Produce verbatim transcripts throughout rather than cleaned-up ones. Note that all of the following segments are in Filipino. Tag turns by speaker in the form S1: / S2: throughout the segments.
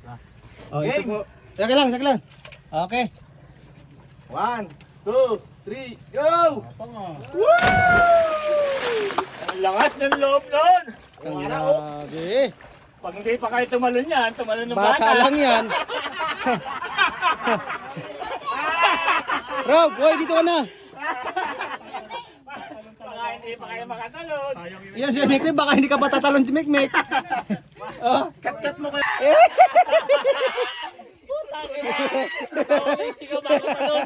S1: Oh, ito po. Saka lang, saka lang. Okay.
S2: One, two, three, go!
S3: Ang lakas ng loob nun.
S1: Ang grabe.
S3: Pag hindi pa kayo tumalon yan, tumalon ng
S1: Bata
S3: bata.
S1: lang yan. Rob, boy, dito ka na.
S3: Baka hindi pa kayo makatalon.
S1: Yan si Mekmek, baka hindi ka pa tatalon si Mekmek. Oh.
S2: Kat-kat mo kayo.
S3: Sigaw bago talon.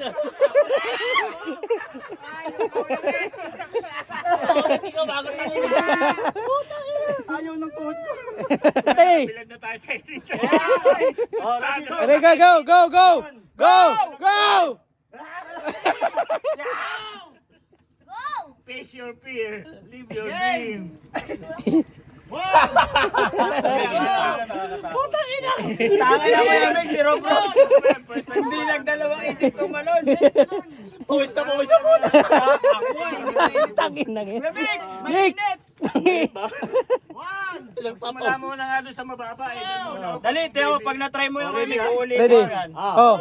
S3: Sigaw bago talon.
S2: Ayaw ng tuhod ko.
S1: Hey!
S3: Bilag na tayo sa dito.
S1: Ready, go, go, go, go! Go! Go!
S3: Face your fear. Live your dreams.
S2: Putang ina! Tanga na mo yung si Rob Rob. Hindi nagdalawang isip tumalon. Pawis na pawis na po.
S1: Tangin na nga.
S2: Lamig!
S1: Nick!
S2: Mainit!
S3: Sumala muna nga doon sa mababa. Eh.
S2: Dali, Teo, pag na-try mo yung lamig, uulit
S1: Ready?
S2: mo yan.
S1: Oh.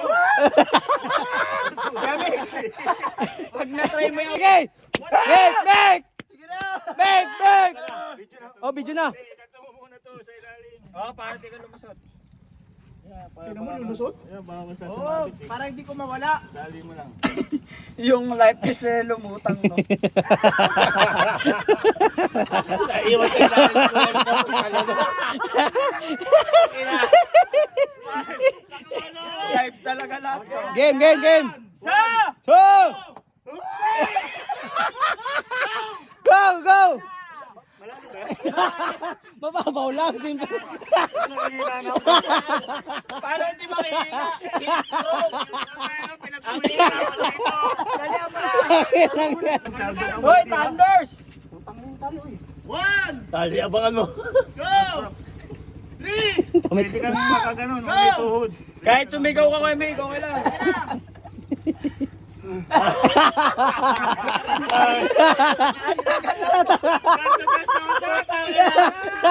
S2: Lamig! Pag na-try mo yung...
S1: Okay! Meg! Meg! Meg! Meg! Oh, video na.
S3: Ito mo muna to sa ilalim.
S2: Oh, para di ka lumusot.
S3: Tingnan mo lulusot? Yan, baka sa
S2: Oo,
S3: sumabit eh.
S2: para hindi ko mawala.
S3: Dali mo lang.
S2: Yung life is eh, lumutang, no?
S3: Iwan sa ilalim.
S2: Life talaga lahat. to.
S1: Game, game, game!
S2: Sa!
S1: So! Go, go! Mababaw lang, simple.
S2: Para hindi makihina. Hit-stroke. Dali mo na. Hoy, Thunders! One!
S3: Dali, abangan mo.
S2: Go!
S3: Pwede kang makaganon. May tuhod.
S2: Kahit sumigaw ka kay Mig, okay lang.
S3: Ganto best of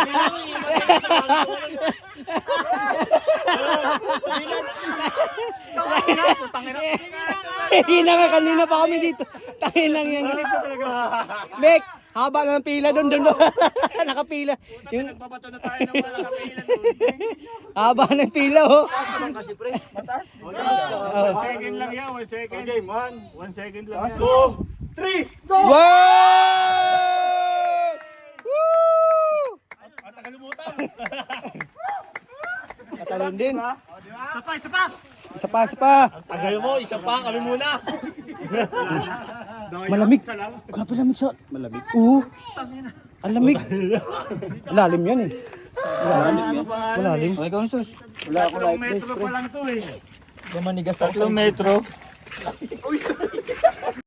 S1: Hindi na nga, kanina pa kami dito. Tangin lang yan. Mek, haba na ng pila doon, doon. Nakapila. Yung
S3: Nagbabato na tayo ng wala kapilan doon.
S1: haba ng pila, oh.
S2: Kasi pre, mataas.
S3: One second lang yan, one second.
S2: Okay, one,
S3: One second lang yan.
S2: two, three, go!
S1: Wow! Woo!
S2: At nakalimutan.
S1: Katalon din.
S2: Isa pa, isa pa!
S1: Isa pa, isa pa.
S2: Tagal mo, isa pa, kami muna.
S1: Malamig. Grabe lamig sa... Malamig. Oo. Ang lamig. Lalim yan eh.
S3: Ano pa nga?
S1: Malalim. Ay, ikaw sus. Wala ako
S3: Tatlong
S1: life
S3: metro
S1: vest,
S3: pa
S1: pre.
S3: lang to eh.
S1: Gumanigas
S3: Tatlong metro.